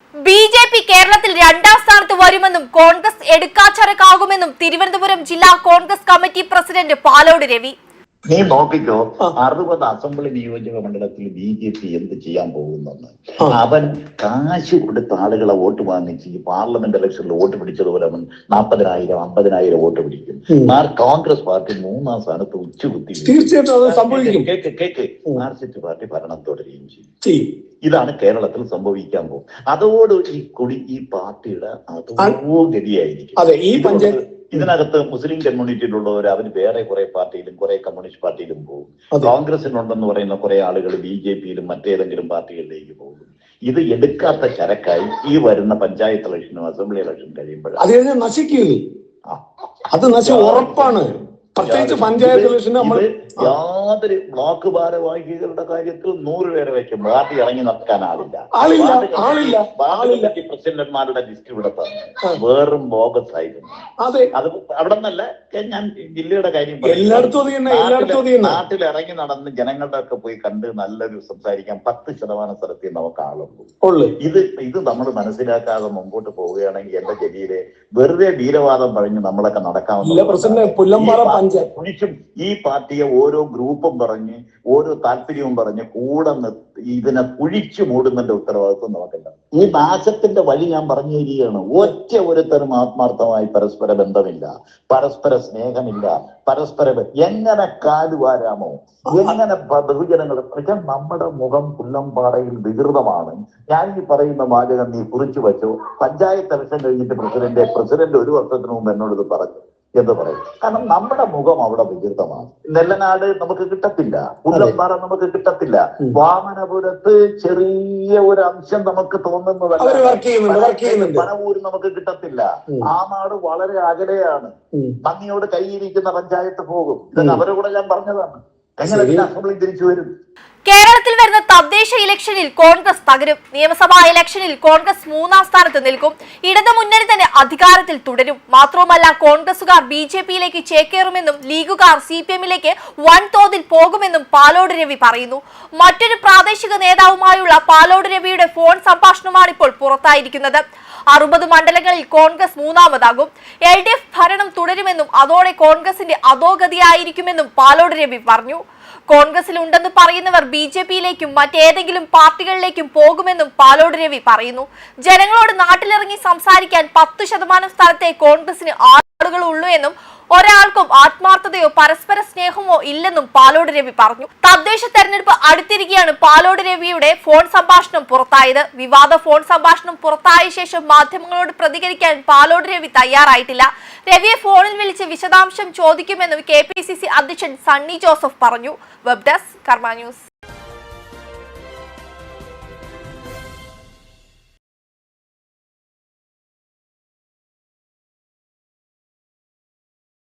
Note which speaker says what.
Speaker 1: BJP കേരളത്തിൽ രണ്ടാം സ്ഥാനത്ത് വരുമെന്നും കോൺഗ്രസ് എടുക്കാച്ചരക്കാകുമെന്നും തിരുവനന്തപുരം ജില്ലാ കോൺഗ്രസ് കമ്മിറ്റി പ്രസിഡന്റ് പാലോട് രവി.
Speaker 2: നീ നോക്കിക്കോ, 60 അസംബ്ലി നിയോജക മണ്ഡലത്തിൽ BJP എന്ത് ചെയ്യാൻ പോകുന്നെന്ന്. അവൻ കാശ് കൊടുത്ത ആളുകളെ വോട്ട് വാങ്ങിച്ച് ഈ പാർലമെന്റ് ഇലക്ഷനിൽ വോട്ട് പിടിച്ചതുപോലെ അവൻ 40,000 50,000 വോട്ട് പിടിക്കും. കോൺഗ്രസ് പാർട്ടി 3-ാം സ്ഥാനത്ത് ഉച്ചകുത്തി. മാർക്സിസ്റ്റ് പാർട്ടി ഭരണം തുടരുകയും ചെയ്യും. ഇതാണ് കേരളത്തിൽ സംഭവിക്കാൻ പോകും. അതോട് ഈ പാർട്ടിയുടെ അതോ ഗതിയായിരിക്കും. ഇതിനകത്ത് മുസ്ലിം കമ്മ്യൂണിറ്റിയിലുള്ളവർ അവർ വേറെ കുറെ പാർട്ടിയിലും കുറെ കമ്മ്യൂണിസ്റ്റ് പാർട്ടിയിലും പോകും. കോൺഗ്രസിനുണ്ടെന്ന് പറയുന്ന കുറെ ആളുകൾ BJPയിലും മറ്റേതെങ്കിലും പാർട്ടികളിലേക്ക് പോകും. ഇത് എടുക്കാത്ത ചരക്കായി ഈ വരുന്ന പഞ്ചായത്ത് ഇലക്ഷനും അസംബ്ലി ഇലക്ഷനും കഴിയുമ്പോഴാണ്
Speaker 3: നശിക്കുക. അത് ഉറപ്പാണ്. പ്രത്യേകിച്ച് പഞ്ചായത്ത് ഇലക്ഷന്
Speaker 2: യാതൊരു ബ്ലോക്ക് ഭാരവാഹികളുടെ കാര്യത്തിൽ 100 പേരെ വെക്കും. പാർട്ടി ഇറങ്ങി നടക്കാൻ ആളില്ല. പ്രസിഡന്റുമാരുടെ ലിസ്റ്റ് ഇവിടെ പറഞ്ഞു വേറും ബോഗസ് ആയിരുന്നു. അത് അവിടെ നിന്നല്ല, ഞാൻ ജില്ലയുടെ കാര്യം നാട്ടിൽ ഇറങ്ങി നടന്ന് ജനങ്ങളുടെ ഒക്കെ പോയി കണ്ട് നല്ലൊരു സംസാരിക്കാൻ 10% സ്ഥലത്തിൽ നമുക്ക് ആളുള്ളൂ. ഇത് നമ്മൾ മനസ്സിലാക്കാതെ മുമ്പോട്ട് പോവുകയാണെങ്കിൽ എന്റെ ജില്ലയിലെ വെറുതെ വീരവാദം പറഞ്ഞ് നമ്മളൊക്കെ നടക്കാവുന്ന ഈ പാർട്ടിയെ ഓരോ ഗ്രൂപ്പും പറഞ്ഞ് ഓരോ താല്പര്യവും പറഞ്ഞ് കൂടെ ഇതിനെ കുഴിച്ചു മൂടുന്നതിന്റെ ഉത്തരവാദിത്വം നമുക്കില്ല. ഈ നാശത്തിന്റെ വഴി ഞാൻ പറഞ്ഞു തരികയാണ്. ഒറ്റ ഒരുത്തരും ആത്മാർത്ഥമായി പരസ്പര ബന്ധമില്ല, പരസ്പര സ്നേഹമില്ല, എങ്ങനെ കാലുവാരാമോ, എങ്ങനെ ബഹുജനങ്ങൾ. നമ്മുടെ മുഖം പുല്ലംപാറയിൽ വികൃതമാണ്. ഞാൻ ഈ പറയുന്ന വാചകം നീ കുറിച്ചു വെച്ചോ. പഞ്ചായത്ത് ഇലക്ഷൻ കഴിഞ്ഞിട്ട് പ്രസിഡന്റ് 1 വർഷത്തിന് മുമ്പ് എന്നോട് ഇത് പറഞ്ഞു എന്ന് പറയും. കാരണം നമ്മുടെ മുഖം അവിടെ വികൃതമാണ്. നെല്ലനാട് നമുക്ക് കിട്ടത്തില്ല, പുല്ലമ്പാറ നമുക്ക് കിട്ടത്തില്ല, വാമനപുരത്ത് ചെറിയ ഒരു അംശം നമുക്ക് തോന്നുന്നതല്ല, പനവൂര് നമുക്ക് കിട്ടത്തില്ല. ആ നാട് വളരെ അകലെയാണ്. നന്ദിയോട് കൈയിരിക്കുന്ന പഞ്ചായത്ത് പോകും. ഇതൊക്കെ അവരെ കൂടെ ഞാൻ പറഞ്ഞതാണ്. എങ്ങനെ അസംബ്ലി തിരിച്ചു വരും?
Speaker 1: കേരളത്തിൽ വരുന്ന തദ്ദേശ ഇലക്ഷനിൽ കോൺഗ്രസ് തകരും. നിയമസഭാ ഇലക്ഷനിൽ കോൺഗ്രസ് 3-ാം സ്ഥാനത്ത് നിൽക്കും. ഇടതു മുന്നണി തന്നെ അധികാരത്തിൽ തുടരും. മാത്രവുമല്ല, കോൺഗ്രസുകാർ BJPയിലേക്ക് ചേക്കേറുമെന്നും ലീഗുകാർ CPMലേക്ക് വൻതോതിൽ പോകുമെന്നും പാലോട് രവി പറയുന്നു. മറ്റൊരു പ്രാദേശിക നേതാവുമായുള്ള പാലോട് രവിയുടെ ഫോൺ സംഭാഷണമാണ് ഇപ്പോൾ പുറത്തായിരിക്കുന്നത്. 60 മണ്ഡലങ്ങളിൽ കോൺഗ്രസ് 3-ാമതാകും. LDF ഭരണം തുടരുമെന്നും അതോടെ കോൺഗ്രസിന്റെ അധോഗതിയായിരിക്കുമെന്നും പാലോട് രവി പറഞ്ഞു. കോൺഗ്രസിൽ ഉണ്ടെന്ന് പറയുന്നവർ BJPയിലേക്കും മറ്റേതെങ്കിലും പാർട്ടികളിലേക്കും പോകുമെന്നും പാലോട് രവി പറയുന്നു. ജനങ്ങളോട് നാട്ടിലിറങ്ങി സംസാരിക്കാൻ 10% സ്ഥലത്തെ കോൺഗ്രസിന് ആളുകൾ ഉള്ളൂ എന്നും ഒരാൾക്കും ആത്മാർത്ഥതയോ പരസ്പര സ്നേഹമോ ഇല്ലെന്നും പാലോട് രവി പറഞ്ഞു. തദ്ദേശ തെരഞ്ഞെടുപ്പ് അടുത്തിരിക്കെയാണ് പാലോട് രവിയുടെ ഫോൺ സംഭാഷണം പുറത്തായത്. വിവാദ ഫോൺ സംഭാഷണം പുറത്തായ ശേഷം മാധ്യമങ്ങളോട് പ്രതികരിക്കാൻ പാലോട് രവി തയ്യാറായിട്ടില്ല. രവിയെ ഫോണിൽ വിളിച്ച് വിശദാംശം ചോദിക്കുമെന്നും KPCC അധ്യക്ഷൻ സണ്ണി ജോസഫ് പറഞ്ഞു. Web desk Karma news.